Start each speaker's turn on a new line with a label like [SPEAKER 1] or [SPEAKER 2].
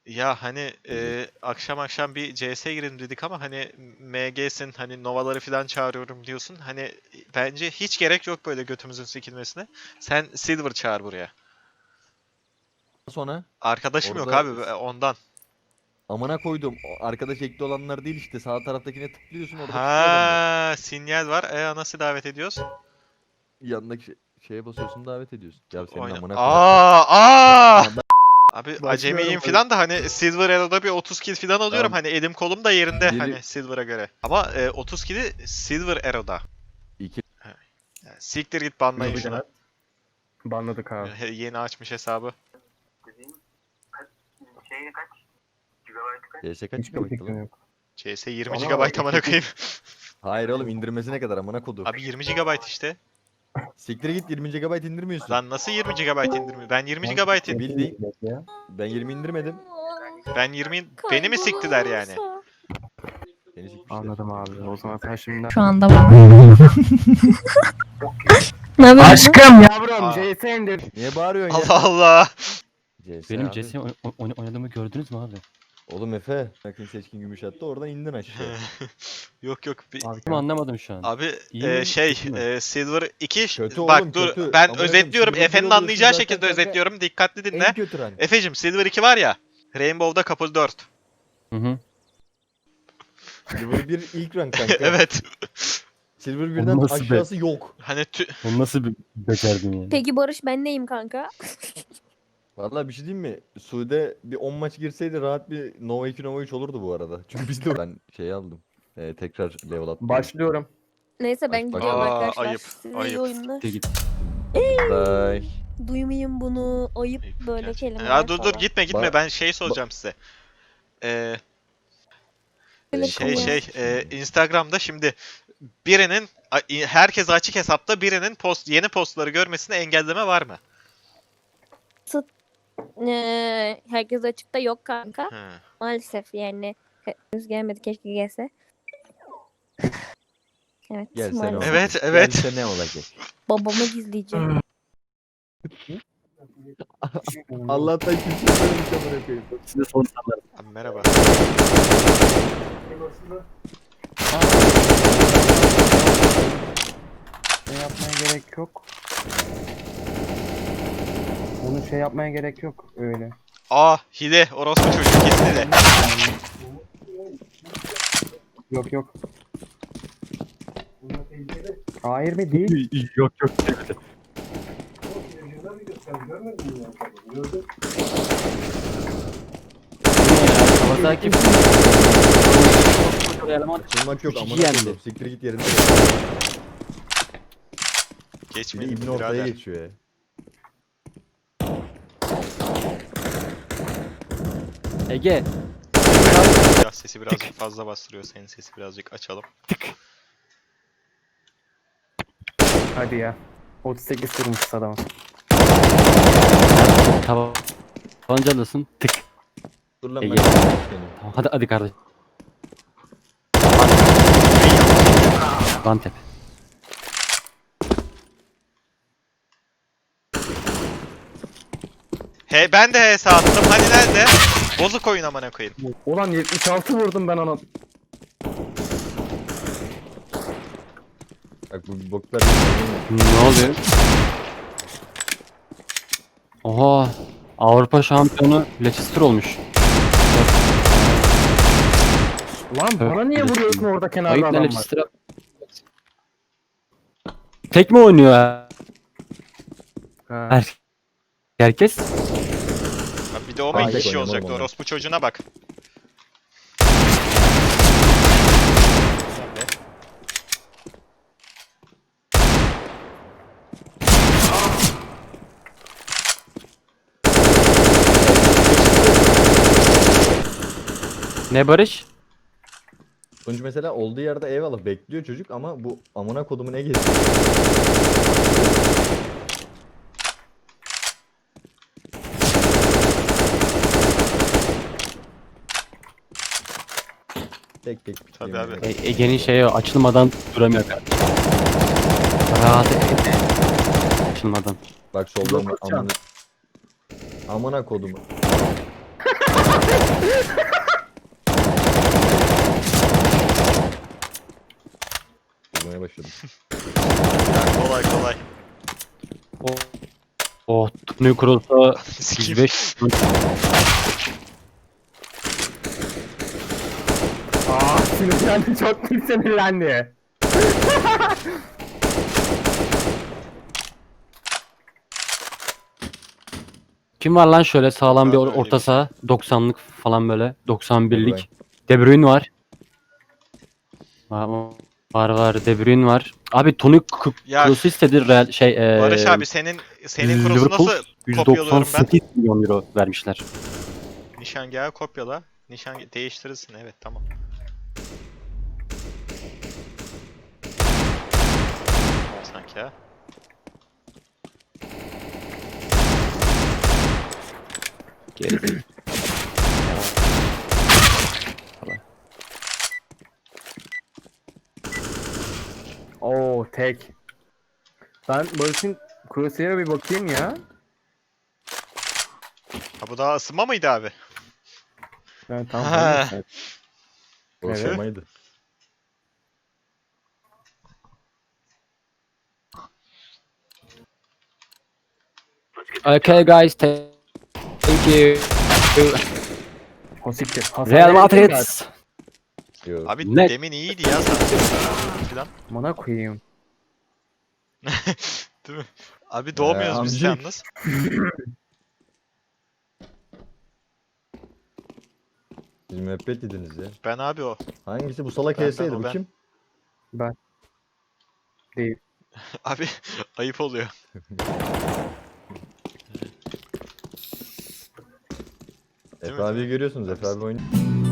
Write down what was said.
[SPEAKER 1] Ya hani akşam akşam bir CS girelim dedik ama hani MG'sin hani Nova'ları falan çağırıyorum diyorsun. Hani bence hiç gerek yok böyle götümüzün sikilmesine. Sen Silver çağır buraya.
[SPEAKER 2] Sonra
[SPEAKER 1] Arkadaşım yok
[SPEAKER 2] orada
[SPEAKER 1] abi ondan.
[SPEAKER 2] amına koydum. O arkadaş ekli olanlar değil işte. Sağ taraftakine tıklıyorsun orada çıkıyor adamlar.
[SPEAKER 1] Ha, sinyal var. Nasıl davet ediyoruz?
[SPEAKER 2] Yanındaki şeye basıyorsun davet ediyorsun. Ya senin
[SPEAKER 1] Oyna.
[SPEAKER 2] amına koyayım.
[SPEAKER 1] Aa!
[SPEAKER 2] Aa,
[SPEAKER 1] Abi
[SPEAKER 3] Başlıyorum
[SPEAKER 1] acemiyim
[SPEAKER 3] abi.
[SPEAKER 1] falan da hani Silver Elo'da bir 30 kill falan alıyorum.
[SPEAKER 2] Tamam.
[SPEAKER 1] Hani elim kolum da yerinde
[SPEAKER 2] Biri
[SPEAKER 1] hani Silver'a göre. Ama 30 kill'i Silver Elo'da.
[SPEAKER 2] iki
[SPEAKER 1] Yani siktir git banlayın
[SPEAKER 3] Tabii
[SPEAKER 1] şunu.
[SPEAKER 3] canım. Banladık abi.
[SPEAKER 1] Yeni açmış hesabı.
[SPEAKER 4] Şeyi kaç? Gigabyte kaç?
[SPEAKER 2] CS kaç
[SPEAKER 3] Hiçbir
[SPEAKER 2] gigabayttı
[SPEAKER 3] fikrim
[SPEAKER 2] lan?
[SPEAKER 3] yok.
[SPEAKER 1] CS 20
[SPEAKER 3] Ama
[SPEAKER 1] GB amına koyayım.
[SPEAKER 2] Hayır oğlum indirmesi ne kadar amına kodum.
[SPEAKER 1] Abi 20 GB işte.
[SPEAKER 2] Siktir git 20 GB indirmiyorsun.
[SPEAKER 1] Lan nasıl 20 GB indirmiyor? Ben 20 GB in.
[SPEAKER 2] Bildiğin. Ben 20 indirmedim.
[SPEAKER 1] Ben 20 beni mi siktiler yani?
[SPEAKER 2] Seni sikmişler.
[SPEAKER 3] Anladım abi. O zaman sen şimdi...
[SPEAKER 5] Şu anda var. Ne haber?
[SPEAKER 3] Aşkım yavrum
[SPEAKER 1] Aa.
[SPEAKER 3] CS indir.
[SPEAKER 2] Niye bağırıyorsun ya?
[SPEAKER 1] Allah Allah.
[SPEAKER 2] CS
[SPEAKER 6] Benim
[SPEAKER 2] abi.
[SPEAKER 6] CS oynadığımı gördünüz mü abi?
[SPEAKER 2] Oğlum Efe. Bakın seçkin gümüş attı oradan indin aşağı.
[SPEAKER 1] Yok yok.
[SPEAKER 3] Abi,
[SPEAKER 6] Ama anlamadım şu an.
[SPEAKER 1] Abi
[SPEAKER 6] İyi mi, kötü mü?
[SPEAKER 1] Silver 2
[SPEAKER 2] Kötü
[SPEAKER 1] bak
[SPEAKER 2] oğlum,
[SPEAKER 1] dur
[SPEAKER 2] kötü.
[SPEAKER 1] ben
[SPEAKER 2] Amına koyayım,
[SPEAKER 1] özetliyorum.
[SPEAKER 2] Silver
[SPEAKER 1] Efe'nin
[SPEAKER 2] bir oluyorsun
[SPEAKER 1] anlayacağı
[SPEAKER 2] zaten
[SPEAKER 1] şekilde
[SPEAKER 2] kanka.
[SPEAKER 1] özetliyorum. Dikkatli dinle.
[SPEAKER 2] En kötü rank.
[SPEAKER 1] Efe'cim Silver 2 var ya. Rainbow'da Couple 4.
[SPEAKER 6] Hı hı.
[SPEAKER 2] Silver 1 ilk rank kanka.
[SPEAKER 1] Evet.
[SPEAKER 2] Silver 1'den
[SPEAKER 6] Nasıl be?
[SPEAKER 2] aşağısı yok.
[SPEAKER 1] Hani
[SPEAKER 6] Onu nasıl becerdin yani?
[SPEAKER 5] Peki Barış ben neyim kanka?
[SPEAKER 2] Vallahi bir şey diyeyim mi? Sude bir 10 maç girseydi rahat bir Nova 2 Nova 3 olurdu bu arada. Çünkü biz de ben şey aldım. Tekrar level attım.
[SPEAKER 3] Başlıyorum.
[SPEAKER 5] Neyse ben
[SPEAKER 2] Baş-
[SPEAKER 5] gidiyorum
[SPEAKER 1] Aa,
[SPEAKER 5] arkadaşlar.
[SPEAKER 1] ayıp,
[SPEAKER 5] Size iyi
[SPEAKER 1] ayıp.
[SPEAKER 5] oyunlar.
[SPEAKER 6] Git.
[SPEAKER 2] Bye.
[SPEAKER 5] Duymayın bunu. Ayıp böyle
[SPEAKER 1] Gerçekten.
[SPEAKER 5] kelimeler
[SPEAKER 1] Ya dur
[SPEAKER 5] falan.
[SPEAKER 1] gitme
[SPEAKER 2] Ba-
[SPEAKER 1] ben şey soracağım size.
[SPEAKER 5] Evet, ya.
[SPEAKER 1] Instagram'da şimdi birinin herkes açık hesapta birinin yeni postları görmesine engelleme var mı?
[SPEAKER 5] Herkes açıkta yok kanka.
[SPEAKER 1] Hı.
[SPEAKER 5] Maalesef yani. Henüz gelmedi keşke gelse. Evet
[SPEAKER 2] Gelse ne
[SPEAKER 5] maalesef.
[SPEAKER 2] olacak?
[SPEAKER 1] Evet, evet.
[SPEAKER 2] Gelse ne olacak?
[SPEAKER 5] Babamı gizleyeceğim.
[SPEAKER 2] Allah'tan kimse söylemiş amına koyayım.
[SPEAKER 6] Size son sorular.
[SPEAKER 1] Abi merhaba.
[SPEAKER 3] Şey yapmaya gerek yok. Onu şey yapmaya gerek yok öyle.
[SPEAKER 1] Hile orospu çocuğu kesin hile.
[SPEAKER 3] Yok yok. Hayır mı değil?
[SPEAKER 6] Yok yok. Havada kim?
[SPEAKER 2] Açılmak yok
[SPEAKER 6] Üç
[SPEAKER 2] amına
[SPEAKER 6] iki yendi.
[SPEAKER 2] koyayım. Siktir git yerinde. Bir de
[SPEAKER 1] Geçmeyin
[SPEAKER 2] İbni ortaya
[SPEAKER 1] birader.
[SPEAKER 2] geçiyor ya.
[SPEAKER 6] Ege.
[SPEAKER 1] Biraz sesi birazcık fazla bastırıyor. Senin sesi birazcık açalım.
[SPEAKER 3] Hadi ya. 38 vurmuş adamı.
[SPEAKER 6] Tabancalısın. Tık.
[SPEAKER 2] Dur lan
[SPEAKER 6] Ege.
[SPEAKER 2] ben seni.
[SPEAKER 6] Tamam, hadi kardeş. Bantep.
[SPEAKER 1] He ben de HS attım. Hani nerede? Bozuk oyun amına koyayım.
[SPEAKER 3] Ulan 76 vurdum ben ona.
[SPEAKER 2] Bak bu boklar.
[SPEAKER 6] Ne oluyor? Oha. Avrupa şampiyonu Leicester olmuş.
[SPEAKER 3] Lan bana niye
[SPEAKER 6] Evet.
[SPEAKER 3] vuruyorsun orada kenarda
[SPEAKER 6] Ayıp ne
[SPEAKER 3] adam var?
[SPEAKER 6] Leicester'a? Tek mi oynuyor ha?
[SPEAKER 3] Ha.
[SPEAKER 6] Herkes?
[SPEAKER 1] Abi bir de o mu
[SPEAKER 2] Hayır,
[SPEAKER 1] iki kişi
[SPEAKER 2] oynamam
[SPEAKER 1] olacaktı?
[SPEAKER 2] onu.
[SPEAKER 1] Orospu çocuğuna bak.
[SPEAKER 6] Ne Barış?
[SPEAKER 2] Sonuç mesela olduğu yerde eyvallah bekliyor çocuk ama bu amına kodumu ne geziyor? Tek tek
[SPEAKER 1] Tabii abi.
[SPEAKER 6] Ege'nin şeyi açılmadan duramıyor. Rahat açılmadan.
[SPEAKER 2] Bak soldan
[SPEAKER 3] Yok,
[SPEAKER 2] amına. Amına kodumu. Vurmaya başladım.
[SPEAKER 1] Kolay kolay.
[SPEAKER 6] Oh, Tony Kroos'a
[SPEAKER 1] Sikeyim.
[SPEAKER 6] 105.
[SPEAKER 3] Sinirlendi, çok büyük sinirlendi.
[SPEAKER 6] Kim var lan şöyle sağlam bir
[SPEAKER 1] Var öyle
[SPEAKER 6] orta
[SPEAKER 1] bir şey.
[SPEAKER 6] saha? 90'lık falan böyle.
[SPEAKER 2] De
[SPEAKER 6] 91'lik. De Bruyne var. Var. De Bruyne var. Abi Tony
[SPEAKER 1] Ya-
[SPEAKER 6] Kroos'u istedi Real
[SPEAKER 1] Barış abi senin krosu
[SPEAKER 6] Liverpool
[SPEAKER 1] nasıl kopyalıyorum ben?
[SPEAKER 6] 198 milyon euro vermişler.
[SPEAKER 1] Nişangahı kopyala. Değiştirirsin, evet, tamam. Sanki ha.
[SPEAKER 6] Geri.
[SPEAKER 3] Oo tek. Ben Barış'ın Crusader'a bir bakayım ya.
[SPEAKER 1] Ha, bu daha ısınma mıydı abi?
[SPEAKER 3] Ben tam
[SPEAKER 1] Ha.
[SPEAKER 3] hayır.
[SPEAKER 2] Boşlamaydı.
[SPEAKER 6] Okay guys, thank you.
[SPEAKER 3] O siktir. Hasar
[SPEAKER 6] Real
[SPEAKER 3] verelim
[SPEAKER 6] Madrid.
[SPEAKER 3] ben.
[SPEAKER 1] Abi
[SPEAKER 6] Abi ne?
[SPEAKER 1] demin iyiydi ya sanki. Falan.
[SPEAKER 3] Bana koyayım.
[SPEAKER 1] Değil mi? Abi doğmuyoruz biz
[SPEAKER 2] amcık.
[SPEAKER 1] yalnız.
[SPEAKER 2] Siz müebbet yediniz ya.
[SPEAKER 1] Ben abi o.
[SPEAKER 2] Hangisi bu salak
[SPEAKER 1] Ben,
[SPEAKER 2] HS'ydi
[SPEAKER 1] o
[SPEAKER 2] bu
[SPEAKER 1] ben.
[SPEAKER 2] kim?
[SPEAKER 3] Değil.
[SPEAKER 1] Abi ayıp oluyor.
[SPEAKER 2] Efe abiyi görüyorsunuz. Efe abi oynuyor.